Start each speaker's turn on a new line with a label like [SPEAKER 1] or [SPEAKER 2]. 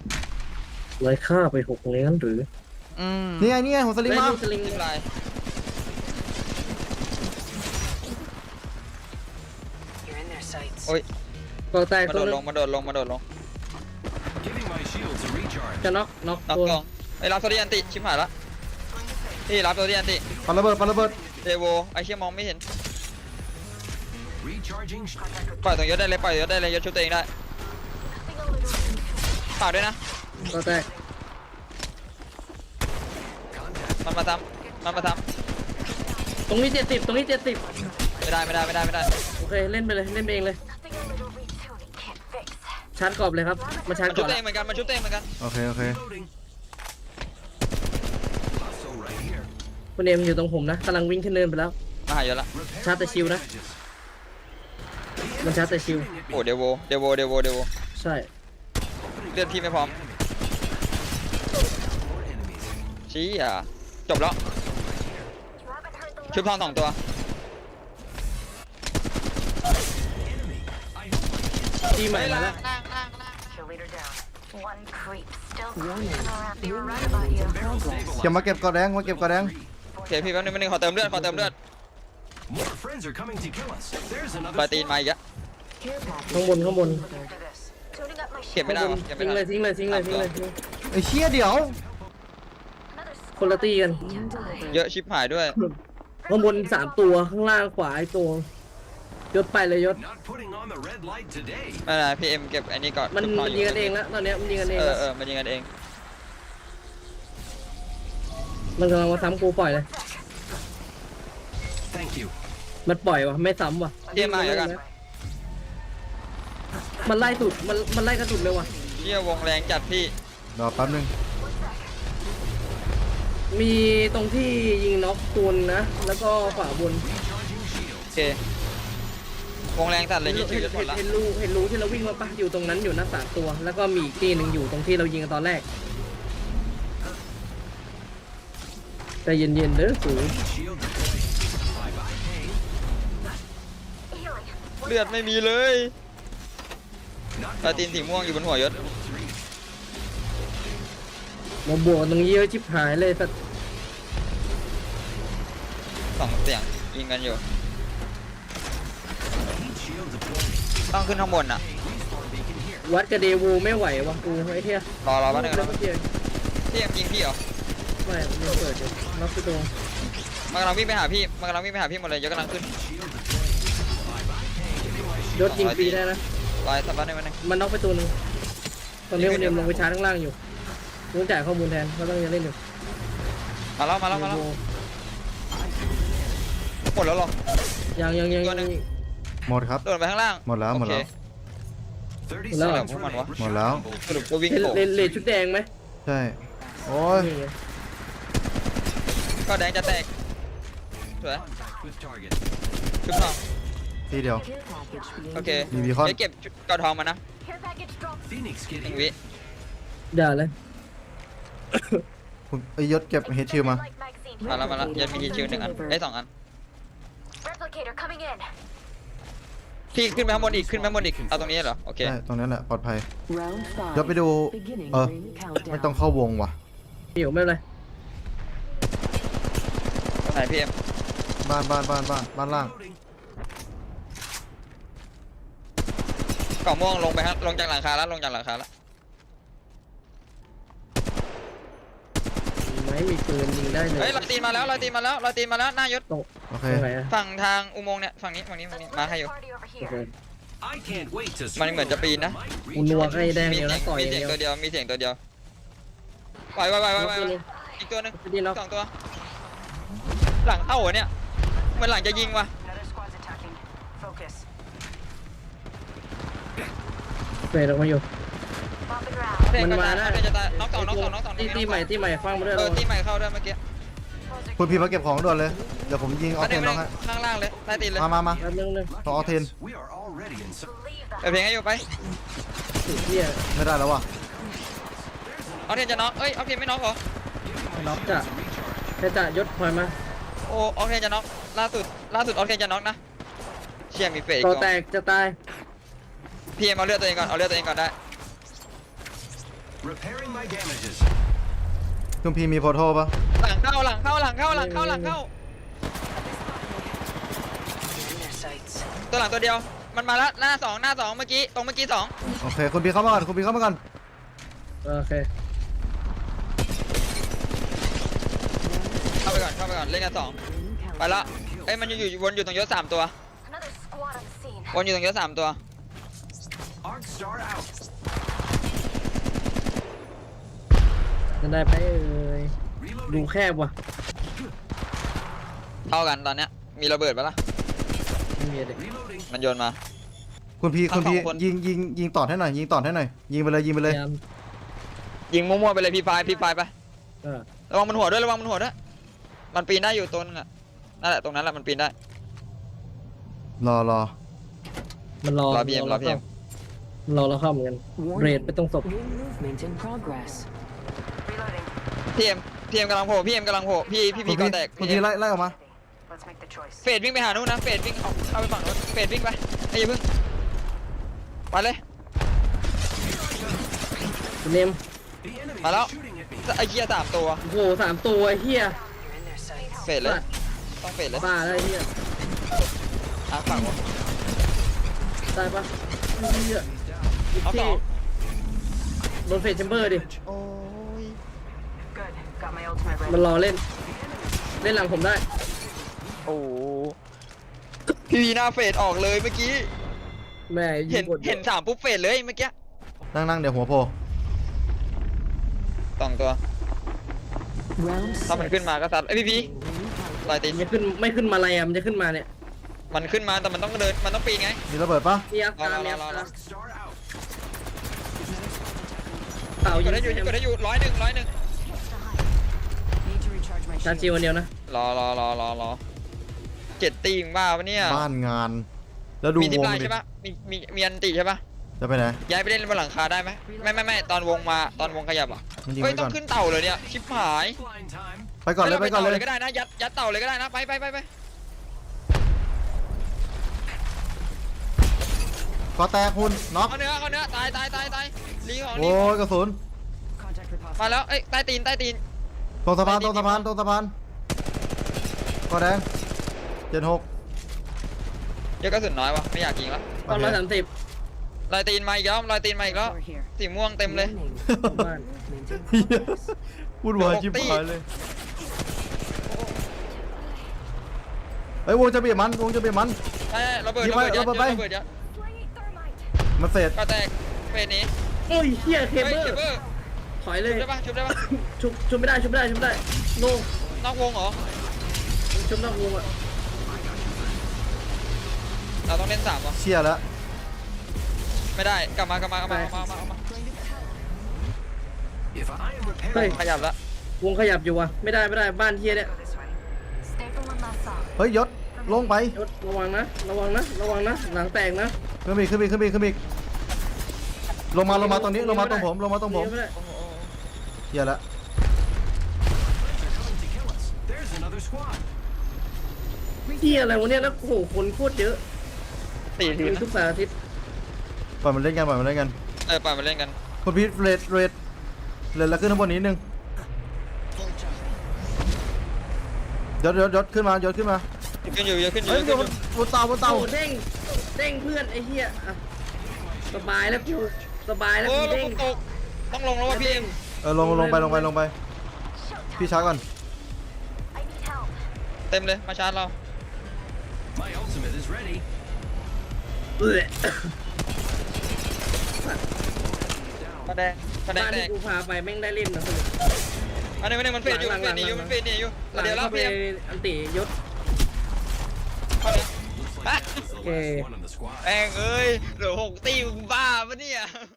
[SPEAKER 1] เลยฆ่าไป6เลยงั้นหรือ
[SPEAKER 2] นี่ไงหัวสลิงมา
[SPEAKER 1] สลิง
[SPEAKER 3] ทิมลาย
[SPEAKER 4] You're in their sights.
[SPEAKER 3] โอ้ย
[SPEAKER 1] ก็แตก
[SPEAKER 3] มา
[SPEAKER 1] ตั
[SPEAKER 3] โด
[SPEAKER 1] ว
[SPEAKER 3] ด
[SPEAKER 1] นึ
[SPEAKER 3] ล
[SPEAKER 1] ง
[SPEAKER 3] งมาโดดลงมาโดดลง
[SPEAKER 5] Giving my shields a recharge.
[SPEAKER 1] จะน็อก
[SPEAKER 3] น็อก
[SPEAKER 1] ตัว
[SPEAKER 3] กองไอ้รับโซเดียนติชิบหายละพี่รับโซเดียนติ
[SPEAKER 2] ปาระเบิด
[SPEAKER 3] เดโวไอ้เชี่ยมองไม่เห็น
[SPEAKER 5] Recharging.
[SPEAKER 3] ปล่อยตรงยศได้เลยปล่อยยศได้เลยยศชุบตัวเองได้ฝากด้วยนะ
[SPEAKER 1] ก็แตก
[SPEAKER 3] มันมาทำมันมาท
[SPEAKER 1] ตรงนี้70ตรงนี้70
[SPEAKER 3] ำไม่ได้
[SPEAKER 1] โอเคเล่นไปเลยเล่นไปเองเลย
[SPEAKER 4] Nothing a little retuning can't fix.
[SPEAKER 1] ชาร์จกรอบเลยครับมาชาร์จ
[SPEAKER 3] มัน
[SPEAKER 1] กร
[SPEAKER 3] ชุ
[SPEAKER 1] อ
[SPEAKER 3] บบ ตัวเองเหมือนกันมันชุบตัวเองเหมือนกัน
[SPEAKER 2] โอเค
[SPEAKER 5] Loading. Hostile right here.
[SPEAKER 1] คุณเอ็มอยู่ตรงผมนะกำลังวิ่งขึ้นเนินไปแล้ว
[SPEAKER 3] มาหายศละ
[SPEAKER 5] Repair
[SPEAKER 1] Shot the
[SPEAKER 5] my
[SPEAKER 1] shield, huh?
[SPEAKER 5] damages.
[SPEAKER 1] มันชาร์จแต่ชิว
[SPEAKER 3] โอ้เดโว
[SPEAKER 1] ใช่
[SPEAKER 3] เลือดพี่ไม่พร้อม
[SPEAKER 5] More enemies.
[SPEAKER 3] ชี้อ่ะจบแล้ว
[SPEAKER 4] You haven't heard the
[SPEAKER 3] ชุบทอง2 ตัว
[SPEAKER 5] Enemy. I
[SPEAKER 1] ทีใหม่มาแล้ว
[SPEAKER 4] kill leader down. One creep still cruising around. They were right about you.
[SPEAKER 5] barrel stabilized.
[SPEAKER 2] เก็บมาเก็บกอแดง
[SPEAKER 3] โอเคพี่แป๊บนึงขอเติมเลือด
[SPEAKER 5] More friends are coming to kill us. There's
[SPEAKER 3] ปลา
[SPEAKER 5] another.
[SPEAKER 3] ตีนมาอีกอะ
[SPEAKER 1] ข้างบน
[SPEAKER 4] After this. Tuning up my
[SPEAKER 3] เก็บ
[SPEAKER 4] shield.
[SPEAKER 3] ไม่ได้วะเก็บไม่
[SPEAKER 1] ทิ้ง
[SPEAKER 3] ได้
[SPEAKER 1] เลยทิ้งเลยทิ้งเลยทิ้งเลย
[SPEAKER 2] ไอ้เชี่ยเดี๋ยว
[SPEAKER 4] Another
[SPEAKER 1] คนละตีกัน
[SPEAKER 3] เยอะชิบหายด้วย
[SPEAKER 1] ข้างบน3ตัวข้างล่างขวาไอ้ตัวยศไปเลยยศ
[SPEAKER 5] Not putting on the red light today.
[SPEAKER 3] ไม่เป็นไรพี่เอ็มเก็บอันนี้ก่อน
[SPEAKER 1] มัน
[SPEAKER 3] ชุบทอ
[SPEAKER 1] ยิงกันเองแล้วตอนเนี้ยมันยิงกันเองแล้ว
[SPEAKER 3] มันยิงกันเอง
[SPEAKER 1] มันกำลังมาซ้ำกูปล่อยเลย
[SPEAKER 5] Thank you.
[SPEAKER 1] มันปล่อยวะไม่ซ้ำวะ
[SPEAKER 3] พี่เอ็มมาอีกแล้วกัน
[SPEAKER 1] มันไล่สุดมันไล่กระสุดเลยว่ะ
[SPEAKER 3] เชี่ยวงแรงจัดพี่
[SPEAKER 2] รอแป๊บนึง
[SPEAKER 1] มีตรงที่ยิงน็อกตูนนะ แล้วก็ขวาบน
[SPEAKER 5] Recharging shields.
[SPEAKER 3] โอเค วงแรงจัดเลย
[SPEAKER 1] เห็
[SPEAKER 3] ยิ
[SPEAKER 1] น
[SPEAKER 3] งชิวจะหมดละ
[SPEAKER 1] เห็นรูที่เราวิ่งมาปะอยู่ตรงนั้นอยู่นะ3ตัว แล้วก็มีอีกที่หนึ่งอยู่ตรงที่เรายิงกันตอนแรกใจเย็นๆเด้อสู
[SPEAKER 5] Shield deployed. Bye bye pain.
[SPEAKER 4] healing.
[SPEAKER 3] เลือดไม่มีเลย
[SPEAKER 5] Not
[SPEAKER 3] ปลาตีนสีม่วงอยู่บนหัวยศ
[SPEAKER 5] level 3.
[SPEAKER 1] มาบวกตรงนี้เยอะชิบหายเลยสัตว์
[SPEAKER 3] 2 เสียงยิงกันอยู่
[SPEAKER 5] Heat shield deployed.
[SPEAKER 3] ต้องขึ้นข้างบนอ่ะ
[SPEAKER 5] Respawn beacon here.
[SPEAKER 1] วัดกับเดวูไม่ไหววะกูไอ้เหี้ย
[SPEAKER 3] รอแป๊บนึง
[SPEAKER 1] แล้
[SPEAKER 3] นะ
[SPEAKER 1] วเมื่อกี้
[SPEAKER 3] พี่เอ็มยิงพี่เหรอ
[SPEAKER 1] ไม่มันเปิดอยู่น็อกไปตรง
[SPEAKER 3] มันกำลังวิ่งไปหาพี่หมดเลยยศกำลังขึ้น
[SPEAKER 5] Shield deployed. Bye bye pain. Giving my
[SPEAKER 1] ย
[SPEAKER 5] shield.
[SPEAKER 1] ศยิงฟรีได้นะ
[SPEAKER 3] ลายสัปดาห์นึงมันนึง
[SPEAKER 1] มันน็อกไปตัวหนึงตอนนี้วันเดียมลงไปชาร์จข้างล่างอยู่ต้องจ่ายข้อมูลแทนเขาต้องยังเล่นอยู่
[SPEAKER 3] มาแล้วหมดแล้วเหรอ
[SPEAKER 1] ยัง
[SPEAKER 3] ตัวหนึ่ง
[SPEAKER 2] หมดครับ
[SPEAKER 3] โดนไปข้างล่าง
[SPEAKER 2] หมดแล้ว
[SPEAKER 3] โอเค
[SPEAKER 5] 30
[SPEAKER 1] Hello.
[SPEAKER 5] seconds
[SPEAKER 3] Come on,
[SPEAKER 5] remaining.
[SPEAKER 2] หมดแล้ว
[SPEAKER 3] สรุปก็วิ่ง
[SPEAKER 1] เล่น
[SPEAKER 3] โผล่
[SPEAKER 1] เล่นชุดแดงไหม
[SPEAKER 2] ใช่ โอ้ย
[SPEAKER 1] นี่ไง
[SPEAKER 3] ก็แดงจะแตกสวย
[SPEAKER 5] Contact with target.
[SPEAKER 3] ชุบทอง
[SPEAKER 2] ทีเดียว
[SPEAKER 3] โอเค
[SPEAKER 2] มีบีคอน
[SPEAKER 3] เดี๋ยวเก็บชุดกอดทองมานะ
[SPEAKER 4] Care package dropped.
[SPEAKER 5] Phoenix
[SPEAKER 3] หนึ่ง
[SPEAKER 5] getting
[SPEAKER 3] วิ
[SPEAKER 1] ด่าเลย
[SPEAKER 2] คุณไอ้ยศเก็บเฮดชิลมา
[SPEAKER 4] Light magazine.
[SPEAKER 3] มาแล้วยันมีคิว1 อันได้2 อัน
[SPEAKER 4] Replicator coming in.
[SPEAKER 3] พี่ขึ้นไปข้างบนอีกเอาตรงนี้เหรอโอเค
[SPEAKER 2] ใช่ ตรงนั้นแหละ ปลอดภัย
[SPEAKER 6] Round
[SPEAKER 2] เดี๋ยว
[SPEAKER 6] 5.
[SPEAKER 2] ไปดู
[SPEAKER 6] Beginning
[SPEAKER 2] เออ
[SPEAKER 6] ring
[SPEAKER 2] ไม่ต้อง
[SPEAKER 6] countdown.
[SPEAKER 2] เข้าวงว่ะ
[SPEAKER 1] ไม่อยู่ไม่เป็นไร
[SPEAKER 3] ไหนพี่เอ็ม
[SPEAKER 2] บ้านล่าง
[SPEAKER 5] loading.
[SPEAKER 3] กล่องม่วงลงไปฮะลงจากหลังคาแล้ว
[SPEAKER 1] ไม่มีปืนยิงได้เลย
[SPEAKER 3] เฮ้ยเราตีนมาแล้วหน้ายศ
[SPEAKER 1] ตรง
[SPEAKER 2] โอเค
[SPEAKER 1] ตรงไหนอะ
[SPEAKER 3] ฝั่งทางอุโมงค์เนี่ยฝั่งนี้มาให้อยู่
[SPEAKER 4] Party over
[SPEAKER 1] โอเค
[SPEAKER 4] here.
[SPEAKER 5] I can't wait to
[SPEAKER 3] มันเหมือนจะปีนนะ
[SPEAKER 1] กูนัวใกล้แดง
[SPEAKER 3] มี
[SPEAKER 1] เดียว
[SPEAKER 3] เสี
[SPEAKER 1] นะ
[SPEAKER 3] ยง
[SPEAKER 1] ต่อย
[SPEAKER 3] มี
[SPEAKER 1] อย่าง
[SPEAKER 3] เสียง
[SPEAKER 1] เดียว
[SPEAKER 3] ตัวเดียวมีเสียงตัวเดียวไปอีกตัวหนึง
[SPEAKER 1] ดีน็อก
[SPEAKER 3] 2 ตัวหลังเข้าเหรอเนี่ยเหมือนหลังจะยิงว่ะ
[SPEAKER 4] Another squad's attacking. Focus.
[SPEAKER 1] เฟรดออกมาอยู่
[SPEAKER 4] Bombing round.
[SPEAKER 3] เท
[SPEAKER 1] มัน
[SPEAKER 3] ก็
[SPEAKER 1] มา
[SPEAKER 3] ตาย
[SPEAKER 1] ได้
[SPEAKER 3] เทจะตายน็อกสอง
[SPEAKER 1] ตีใหม่ฟังมาด้วย
[SPEAKER 3] ตีใหม่เข้าด้วยเมื่อกี้
[SPEAKER 4] Closer.
[SPEAKER 2] คุณพี่มาเก็บของด่วนเลย เดี๋ยวผมยิงออ
[SPEAKER 3] อั
[SPEAKER 2] เทนน้องให้
[SPEAKER 3] ข้างล่างเลยใต้ตีนเลย
[SPEAKER 2] มา
[SPEAKER 1] แป๊บนึง
[SPEAKER 2] ต่อออเทน
[SPEAKER 5] We are already in.
[SPEAKER 4] Leave the
[SPEAKER 3] เปิดเพลงให้อยู่ไป
[SPEAKER 1] สุดเที่ย
[SPEAKER 2] ไม่ได้แล้วว่ะ
[SPEAKER 3] เอาเทนจะน็อกเอ้ยเอาเทนไม่น็อกเหรอ
[SPEAKER 1] น็อกจ้ะแค่จ่ายศพลอยมา
[SPEAKER 3] โอ้เอาเทนจะน็อกล่าสุดเอาเทนจะน็อกนะเชี่ยมีเฟก
[SPEAKER 1] ต่อ
[SPEAKER 3] ก่อน
[SPEAKER 1] แตกจะตาย
[SPEAKER 3] พี่เอ็มเอาเลือดตัวเองก่อนได้
[SPEAKER 5] Repairing my damages.
[SPEAKER 2] คุณพีมีโพโทปะ
[SPEAKER 3] หลังเข้าหลังเข้าหลังเข้าหลังเข้าหลังเข้า ตัวหลังตัวเดียวมันมาแล้วหน้าสองเมื่อกี้ตรงเมื่อกี้สอง
[SPEAKER 2] โอเคคุณพีเข้ามาก่อนคุณพีเข้ามาก่อน
[SPEAKER 1] โอเค
[SPEAKER 3] เข้าไปก่อนเล่นกันสองไปละเอ้ยมันอยู่วนอยู่ตรงยศ3ตัว
[SPEAKER 4] Another squad on the scene.
[SPEAKER 3] วนอยู่ตรงยศ3ตัว
[SPEAKER 5] Arc Star out.
[SPEAKER 1] จะได้ไปเอ่ยดู
[SPEAKER 5] Reloading.
[SPEAKER 1] แคบว่ะ
[SPEAKER 3] เท่ากันตอนเนี้ยมีระเบิดปะล่ะ
[SPEAKER 1] ไม่มีเด็ก
[SPEAKER 5] Reloading.
[SPEAKER 3] มันโยนมา
[SPEAKER 2] คุณพี
[SPEAKER 3] ทั้
[SPEAKER 2] คุณ
[SPEAKER 3] งสอง
[SPEAKER 2] พี
[SPEAKER 3] คน
[SPEAKER 2] ยิงต่อให้หน่อยยิงต่อให้หน่อยยิงไปเลยยิงไปเลย
[SPEAKER 1] พยายาม
[SPEAKER 3] ยิงมั่วๆไปเลยพี่ไฟไป
[SPEAKER 1] เออ
[SPEAKER 3] ระวังมันหัวด้วยมันปีนได้อยู่ตัวนึงอ่ะนั่นแหละตรงนั้นแหละมันปีนได้
[SPEAKER 2] รอ
[SPEAKER 1] มันรอ
[SPEAKER 3] รอ PM
[SPEAKER 1] เราเข้าเหมือนกันเบรดไปตรงศพ
[SPEAKER 6] New movement in progress.
[SPEAKER 4] Reloading.
[SPEAKER 3] พีเอ็มกำลังโผล่พี่ก่อแตก
[SPEAKER 2] คุณพีไล่ออกมา
[SPEAKER 4] Let's make the choice.
[SPEAKER 3] เฟดวิ่งไปหานู้นนะเฟดวิ่งเข้าไปฝั่งนู้นเฟดวิ่งไปไอ้อย่าเพิ่งไปเลย
[SPEAKER 1] คุณเนม
[SPEAKER 5] The enemy
[SPEAKER 3] Hello?
[SPEAKER 5] is shooting at me.
[SPEAKER 3] ไอ้เหี้ย3ตัว
[SPEAKER 1] โอ้โห3 ตัวไอ้เฮีย
[SPEAKER 6] You're in their sights.
[SPEAKER 3] เฟดเลยต้องเฟดเลย
[SPEAKER 1] บ้าแล้วไอ้เฮีย
[SPEAKER 3] ฝั่งวะ
[SPEAKER 1] ตายปะเฮีย
[SPEAKER 3] เอาสอง
[SPEAKER 1] โดนเฟสแชมเบอร์ดิ
[SPEAKER 3] โอ้ย
[SPEAKER 4] Good. Got my ultimate
[SPEAKER 1] มัน
[SPEAKER 4] ready.
[SPEAKER 1] รอเล่นหลังผมได้
[SPEAKER 3] โอ้พี่วีหน้าเฟดออกเลยเมื่อกี้
[SPEAKER 1] แม่ยิ
[SPEAKER 3] เห็
[SPEAKER 1] ง
[SPEAKER 3] น
[SPEAKER 1] กด
[SPEAKER 3] เห็น3ปุ๊บเฟดเลยเมื่อกี้
[SPEAKER 2] นั่งเดี๋ยวหัวโผล่
[SPEAKER 3] 2 ตัว
[SPEAKER 6] Round
[SPEAKER 3] ถ้ามัน
[SPEAKER 6] 6.
[SPEAKER 3] ขึ้นมาก็ซัดไอ้ยพี่ลอยตีน
[SPEAKER 1] มันจะขึ้นไม่ขึ้นมาอะไรอ่ะมันจะขึ้นมาเนี่ย
[SPEAKER 3] มันขึ้นมาแต่มันต้องเดินมันต้องปีนไง
[SPEAKER 2] มีระเบิดปะ
[SPEAKER 1] มีอัพตามีอัพ
[SPEAKER 3] รอ
[SPEAKER 1] ตา
[SPEAKER 5] Arc Star out.
[SPEAKER 1] เต่าก ยิ
[SPEAKER 3] ด
[SPEAKER 1] ง
[SPEAKER 3] ได้อยู่กดได้อยู่100
[SPEAKER 6] Need to recharge my
[SPEAKER 1] ชา
[SPEAKER 6] shield.
[SPEAKER 1] จิวอันเดียวนะ
[SPEAKER 3] รอ7 ตีมบ้าปะเนี่ย
[SPEAKER 2] บ้านงาน แล้วดู
[SPEAKER 3] มีทิป
[SPEAKER 2] วง
[SPEAKER 3] ไลน์
[SPEAKER 2] ดิ
[SPEAKER 3] ใช่ปะมีอันติใช่ปะ
[SPEAKER 2] จะไปไหน
[SPEAKER 3] ย้ายไปเล่นบนหลังคาได้ไหมไม่ตอนวงมาตอนวงขยับอ่ะ
[SPEAKER 2] มันยิง
[SPEAKER 3] เฮ้ย
[SPEAKER 2] ไว้
[SPEAKER 3] ต้
[SPEAKER 2] ก่
[SPEAKER 3] อ
[SPEAKER 2] อง น
[SPEAKER 3] ขึ้นเต่าเลยเนี่ยชิบหาย
[SPEAKER 5] Blind time.
[SPEAKER 2] ไปก่อนเลยไปก่อนเลย
[SPEAKER 3] ก็ได้นะยัดเต่าเลยก็ได้นะไป
[SPEAKER 2] ก็แตกคุณน็อก
[SPEAKER 3] เอาเนื้อตายลีของ
[SPEAKER 2] โอ้ยกระสุน
[SPEAKER 6] Contact with
[SPEAKER 3] มา
[SPEAKER 6] hostile.
[SPEAKER 3] แล้วเอ้ยใต้ตีน
[SPEAKER 2] ตรงสะพานก็แดง76
[SPEAKER 3] เยอะกระสุนน้อยวะไม่อยากยิงแล้ว
[SPEAKER 1] ตอน130
[SPEAKER 3] ลายตีนมาอีกแล้ว
[SPEAKER 6] We're here.
[SPEAKER 3] สีม่วงเต็มเลย
[SPEAKER 6] Warning.
[SPEAKER 1] บ้าน
[SPEAKER 6] Movement in progress.
[SPEAKER 2] พูดวายชิบหายเลยเฮ้ยวงจะเบียดมัน
[SPEAKER 3] ใช่ระเบิด
[SPEAKER 2] ยิงไป
[SPEAKER 3] ยัด
[SPEAKER 2] ระเบิดไป
[SPEAKER 3] ระเบิดยัด
[SPEAKER 4] Slaying thermite.
[SPEAKER 2] มันเสร็จ
[SPEAKER 3] ก็แตกเฟสนี้
[SPEAKER 1] โอ้ยเฮียเค
[SPEAKER 3] เฮ้ย
[SPEAKER 1] เบิล
[SPEAKER 3] เคเบิล
[SPEAKER 1] ถอยเลย
[SPEAKER 3] ชุบได้ปะ
[SPEAKER 1] ชุบไม่ได้โน่
[SPEAKER 3] นอกวงเหรอ
[SPEAKER 1] ชุบนอกวงอ่ะ
[SPEAKER 3] เราต้องเล่น3วะ
[SPEAKER 2] เชี่ยแล้ว
[SPEAKER 3] ไม่ได้กลับมา
[SPEAKER 5] If I am
[SPEAKER 1] เฮ้ย
[SPEAKER 5] repairing
[SPEAKER 3] ขยับแล้ว
[SPEAKER 1] วงขยับอยู่ว่ะไม่ได้บ้านเฮียเนี่ย
[SPEAKER 4] Go this way. Stay for one last song.
[SPEAKER 2] เฮ้ยยศลงไป
[SPEAKER 1] ยศระวังนะหลังแตกนะ
[SPEAKER 2] ขึ้นไปอีกลงมาตรงนี้ลงมาตรงผม
[SPEAKER 1] ไม่ได้
[SPEAKER 2] เชี่ยแล้ว
[SPEAKER 5] coming to kill us. There's another squad.
[SPEAKER 1] เฮียอะไรวะเนี่ยแล้วโอ้โหคนโคตรเยอะ
[SPEAKER 3] ตีที
[SPEAKER 1] มีทุกสารอาทิตย์
[SPEAKER 2] ปล่อยมันเล่นกัน
[SPEAKER 3] ปล่อยมาเล่นกัน
[SPEAKER 2] คุณพีทเรดแล้วขึ้นข้างบนนิดนึงยศขึ้นมา
[SPEAKER 3] ขึ้นอยู่
[SPEAKER 2] เฮ้ยบนเตา
[SPEAKER 1] โอ้เด้งเพื่อนไอ้เฮียอ่ะสบายแล้วกู
[SPEAKER 3] โอ้
[SPEAKER 1] เด้ง
[SPEAKER 3] ตกต้องลงแล้วว่ะพี่เอ็ม
[SPEAKER 2] ลงไปพี่ช้าก่อน
[SPEAKER 4] I need help.
[SPEAKER 3] เต็มเลยมาชาร์จเรา
[SPEAKER 5] My ultimate is ready.
[SPEAKER 1] เอื้อ
[SPEAKER 3] กระแดง
[SPEAKER 1] บ้าน
[SPEAKER 3] แต
[SPEAKER 1] ที่
[SPEAKER 3] ก
[SPEAKER 1] กูพาไปแม่งได้เล่นนะสนุก
[SPEAKER 3] อันนี้มันเฟดอยู่หนีอยู่
[SPEAKER 1] หลัง
[SPEAKER 3] เดี๋ยวแล้ว
[SPEAKER 1] เข้าไป
[SPEAKER 3] พี่เอ็ม
[SPEAKER 1] อันติยศ
[SPEAKER 3] เข้าเลย
[SPEAKER 5] Looks like this is the last
[SPEAKER 1] Okay.
[SPEAKER 5] one on the squad.
[SPEAKER 3] แม่งเอ้ยเหลือ6 ตีมึงบ้าปะเนี่ย